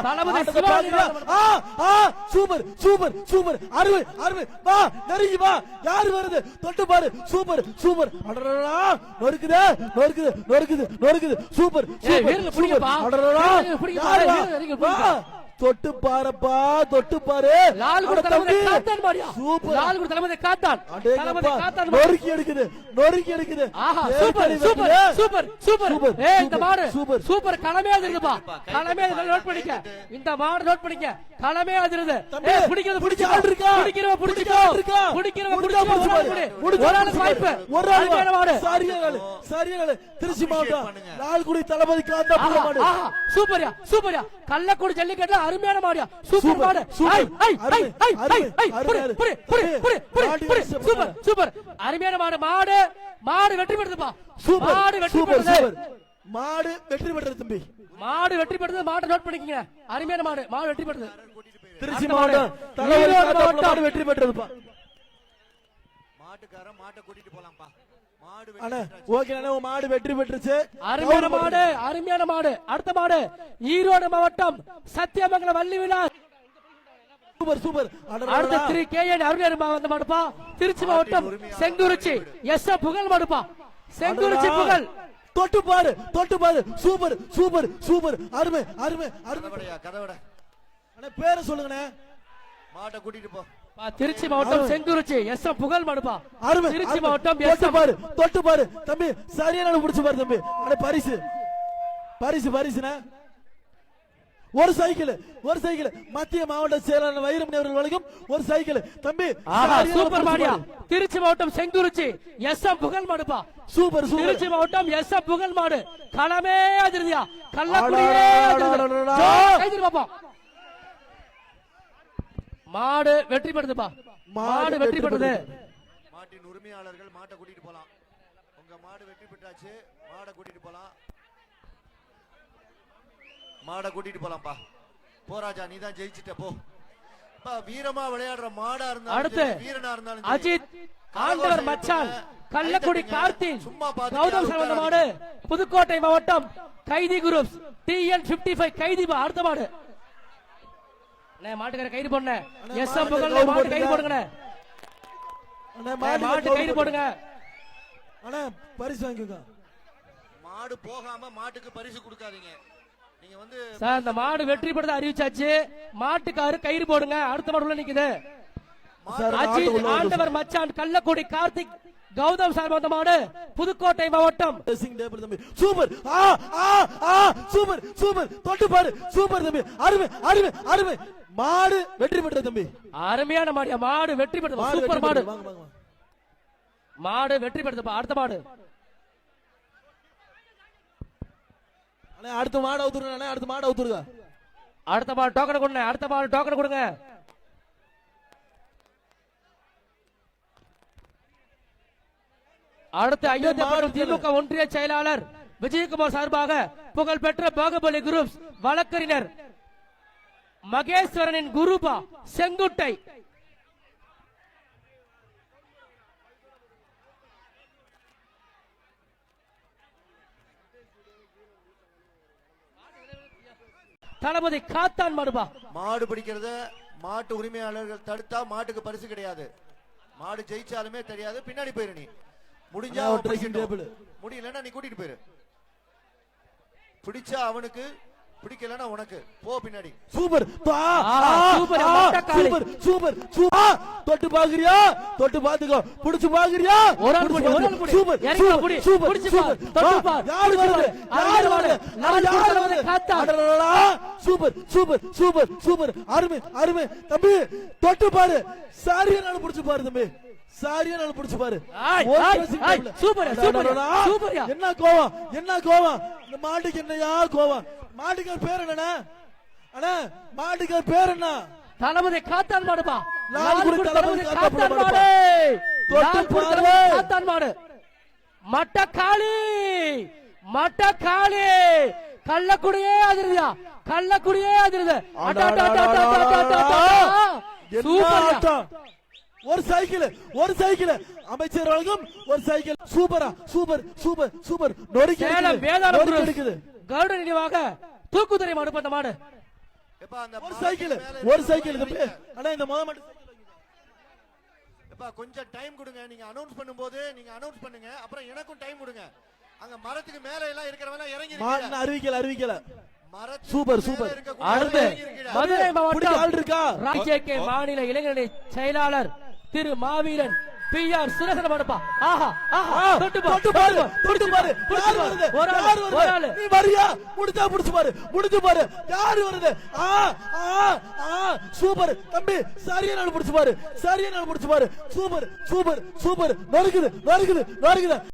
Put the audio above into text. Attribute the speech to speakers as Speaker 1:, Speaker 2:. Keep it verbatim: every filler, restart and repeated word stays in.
Speaker 1: Super super super அருமை அருமை வா நெருங்கி வா யாரு வருது தொட்டு பாரு சூப்பர் சூப்பர் அடடா நொறுக்குது நொறுக்குது நொறுக்குது நொறுக்குது சூப்பர் சூப்பர் அடடா வா தொட்டு பாருப்பா தொட்டு பாரு
Speaker 2: லால் குட தலமதை காத்தான் மாடியா சூப்பர் லால் குட தலமதை காத்தான் தலமதை காத்தான்
Speaker 1: நொறுக்கி எடுக்குது நொறுக்கி எடுக்குது
Speaker 2: ஆஹா சூப்பர் சூப்பர் சூப்பர் சூப்பர் ஏய் இந்த மாடு சூப்பர் சூப்பர் களமே அதிருதுப்பா களமே நோட் பண்ணிக்க இந்த மாடு நோட் பண்ணிக்க களமே அதிருது ஏய் பிடிக்கிறது பிடிச்சு ஆள் இருக்கா பிடிக்கிறவ பிடிச்சுக்கோ பிடிக்கிறவ பிடிச்சுக்கோ ஒரு ஆள் வாய்ப்பு
Speaker 1: ஒரு ஆள் மாடு சரியான சரியான திருச்சி மாவட்டம் லால் குடி தலமதை காத்தான் மாடு
Speaker 2: ஆஹா சூப்பர்யா சூப்பர்யா கள்ளக்குடி ஜல்லிக்கட்டு அருமையான மாடியா சூப்பர் மாடு ஐ ஐ ஐ ஐ ஐ புடி புடி புடி புடி புடி புடி சூப்பர் சூப்பர் அருமையான மாடு மாடு மாடு வெற்றி பெறுதுப்பா
Speaker 1: சூப்பர்
Speaker 2: மாடு வெற்றி
Speaker 1: சூப்பர்
Speaker 2: பெறுது
Speaker 1: மாடு வெற்றி பெறுது தம்பி
Speaker 2: மாடு வெற்றி பெறுது மாடு நோட் பண்ணிக்கங்க அருமையான மாடு மாடு வெற்றி பெறுது
Speaker 1: திருச்சி மாவட்டம் தலைவர் மாடு வெற்றி பெற்றதுப்பா
Speaker 3: மாட்டுக்காரன் மாட்டை கூட்டிட்டு போலாம்ப்பா
Speaker 1: அண்ணா ஓகே அண்ணா மாடு வெற்றி பெற்றுச்சு
Speaker 2: அருமையான மாடு அருமையான மாடு அடுத்த மாடு ஈரோடு மாவட்டம் சத்தியமங்கலம் வள்ளி விலாஸ்
Speaker 1: சூப்பர் சூப்பர்
Speaker 2: அடுத்த திரு கே என் அருமையான வந்த மாடுப்பா திருச்சி மாவட்டம் செங்குறிச்சி எஸ் புகழ் மாடுப்பா செங்குறிச்சி புகழ்
Speaker 1: தொட்டு பாரு தொட்டு பாரு சூப்பர் சூப்பர் சூப்பர் அருமை அருமை அருமை
Speaker 3: கதவட
Speaker 1: அண்ணா பேரை சொல்லுங்கண்ணே
Speaker 3: மாட்டை கூட்டிட்டு போ
Speaker 2: திருச்சி மாவட்டம் செங்குறிச்சி எஸ் புகழ் மாடுப்பா
Speaker 1: அருமை
Speaker 2: திருச்சி மாவட்டம்
Speaker 1: தொட்டு பாரு தொட்டு பாரு தம்பி சரியான புடிச்சு பாரு தம்பி அண்ணா பரிசு பரிசு பரிசுனா ஒரு சைக்கிள் ஒரு சைக்கிள் மத்திய மாவட்ட செயலாளர் வைரமணி அவர்கள் வழங்கும் ஒரு சைக்கிள் தம்பி
Speaker 2: சூப்பர் மாடியா திருச்சி மாவட்டம் செங்குறிச்சி எஸ் புகழ் மாடுப்பா
Speaker 1: சூப்பர் சூப்பர்
Speaker 2: திருச்சி மாவட்டம் எஸ் புகழ் மாடு களமே அதிர்தியா கள்ளக்குடியே அதிர்தி பாப்போம் மாடு வெற்றி பெறுதுப்பா மாடு வெற்றி பெறுது
Speaker 3: மாட்டின் உரிமையாளர்கள் மாட்டை கூட்டிட்டு போலாம் உங்க மாடு வெற்றி பெற்றாச்சு மாடை கூட்டிட்டு போலாம் மாடை கூட்டிட்டு போலாம்ப்பா போராஜா நீ தான் ஜெயிச்சிட்ட போ வீரமா விளையாடுற மாடா இருந்தாலும்
Speaker 2: அடுத்து
Speaker 3: வீரனா இருந்தாலும்
Speaker 2: அஜித் ஆண்டவர் மச்சான் கள்ளக்குடி கார்த்திக் கௌதம் சரவண மாடு புதுக்கோட்டை மாவட்டம் கைதி groups T N fifty five கைதி அடுத்த மாடு மாட்டுக்கார கைது போடுங்க எஸ் எம் புகழ் மாட்டு கைது போடுங்க மாட்டு கைது போடுங்க
Speaker 1: அண்ணா பரிசு வாங்கிக்கோங்க
Speaker 3: மாடு போகாம மாட்டுக்கு பரிசு கொடுக்காதீங்க நீங்க வந்து
Speaker 2: சார் இந்த மாடு வெற்றி பெற்றத அறிவிச்சாச்சு மாட்டுக்காரு கயிறு போடுங்க அடுத்த மாடு உள்ள நிக்குது அஜித் ஆண்டவர் மச்சான் கள்ளக்குடி கார்த்திக் கௌதம் சார் வந்த மாடு புதுக்கோட்டை மாவட்டம்
Speaker 1: சூப்பர் சூப்பர் சூப்பர் தொட்டு பாரு சூப்பர் தம்பி அருமை அருமை அருமை மாடு வெற்றி பெற்ற தம்பி
Speaker 2: அருமையான மாடியா மாடு வெற்றி பெற்றது சூப்பர் மாடு மாடு வெற்றி பெற்றது அடுத்த மாடு
Speaker 1: அடுத்த மாடு அவுத்துருங்க அடுத்த மாடு அவுத்துருங்க
Speaker 2: அடுத்த மாடு டோக்கன் கொடுங்க அடுத்த மாடு டோக்கன் கொடுங்க அடுத்து அயோத்தியா திமுக ஒன்றிய செயலாளர் விஜயகுமார் சார்பாக புகழ்பெற்ற பாகுபலி குரூப்ஸ் வழக்கறிஞர் மகேஸ்வரனின் குருபா செங்குட்டை தளபதி காத்தான் மாடுபா
Speaker 3: மாடு பிடிக்கிறத மாட்டு உரிமையாளர்கள் தடுத்தா மாட்டுக்கு பரிசு கிடையாது மாடு ஜெயிச்சாலுமே தெரியாது பின்னாடி போயிரு நீ முடிஞ்சா முடியலன்னா நீ கூட்டிட்டு போயிரு பிடிச்சா அவனுக்கு பிடிக்கலன்னா உனக்கு போ பின்னாடி
Speaker 1: super super super super super தொட்டு பாக்குறியா தொட்டு பாத்துக்கோ புடிச்சு பாக்குறியா
Speaker 2: ஒரு ஆள் புடி ஒரு ஆள் புடி
Speaker 1: சூப்பர்
Speaker 2: இறங்கி புடி
Speaker 1: சூப்பர்
Speaker 2: புடிச்சு பாரு தொட்டு பாரு
Speaker 1: யார் வருது யார் வருது
Speaker 2: நான் குடுறவனே காத்தா
Speaker 1: சூப்பர் சூப்பர் சூப்பர் சூப்பர் அருமை அருமை தம்பி தொட்டு பாரு சரியான புடிச்சு பாரு தம்பி சரியான புடிச்சு பாரு
Speaker 2: சூப்பர் சூப்பர் சூப்பர்
Speaker 1: என்ன கோவம் என்ன கோவம் இந்த மாட்டுக்கு என்னையா கோவம் மாட்டுக்கார் பேர் என்னண்ணா அண்ணா மாட்டுக்கார் பேர் என்ன
Speaker 2: தளபதி காத்தான் மாடுப்பா
Speaker 1: லால்குடி தளபதி
Speaker 2: காத்தான் மாடு லால்குடி தளபதி காத்தான் மாடு மட்டக்காளி மட்டக்காளி கள்ளக்குடியே அதிருதியா கள்ளக்குடியே அதிருது
Speaker 1: சூப்பர் ஒரு சைக்கிள் ஒரு சைக்கிள் அமைச்சர் வழங்கும் ஒரு சைக்கிள் சூப்பரா சூப்பர் சூப்பர் சூப்பர் நொறுக்கி
Speaker 2: சேலம் வேதாளம் இருக்குது கருட நினைவாக தூக்குதுறை மாடு பண்ண மாடு
Speaker 3: எப்பா அந்த
Speaker 1: ஒரு
Speaker 3: மரத்துக்கு
Speaker 1: சைக்கிள்
Speaker 3: மேல
Speaker 1: ஒரு
Speaker 3: இருக்கிற
Speaker 1: சைக்கிள்
Speaker 3: ரூபாய்
Speaker 1: தம்பி
Speaker 3: வைங்க.
Speaker 1: அண்ணா இந்த முத மாட்டு சைக்கிள் வைங்க.
Speaker 3: எப்பா கொஞ்சம் டைம் கொடுங்க, நீங்க அனௌன்ஸ் பண்ணும்போது நீங்க அனௌன்ஸ் பண்ணுங்க, அப்புறம் எனக்கும் டைம் கொடுங்க. அங்க மரத்துக்கு மேல எல்லாம் இருக்கிறவங்க இறங்கி
Speaker 1: மாட்டு
Speaker 3: இருக்கீங்க.
Speaker 1: அறிவிக்கல அறிவிக்கல
Speaker 3: மரத்துக்கு
Speaker 1: சூப்பர்,
Speaker 3: மேல
Speaker 1: சூப்பர்.
Speaker 3: இருக்கக்கூடிய
Speaker 2: அடுத்து
Speaker 3: இறங்கி இருக்கீங்க.
Speaker 2: மதுரை
Speaker 1: பிடிக்க ஆள்
Speaker 2: மாவட்டம்
Speaker 1: இருக்கா
Speaker 2: ராஜேகே மாநில இளைஞரணி செயலாளர் திரு மாவீரன் பி ஆர் சுரேசன் மடப்பா. ஆஹா ஆஹா தொட்டு பாரு
Speaker 1: தொட்டு பாரு தொட்டு பாரு
Speaker 2: புடிச்சு
Speaker 1: யார்
Speaker 2: பாரு.
Speaker 1: வருது
Speaker 2: ஒரு ஆளு,
Speaker 1: யார்
Speaker 2: ஒரு
Speaker 1: வருது
Speaker 2: ஆளு.
Speaker 1: நீ வரியா முடிஞ்சா புடிச்சு பாரு முடிஞ்சு பாரு யார் வருது ஆ ஆ ஆ சூப்பர் தம்பி சரியா நாள் புடிச்சு பாரு சரியா நாள் புடிச்சு பாரு சூப்பர் சூப்பர் சூப்பர் நறுக்குது நறுக்குது நறுக்குது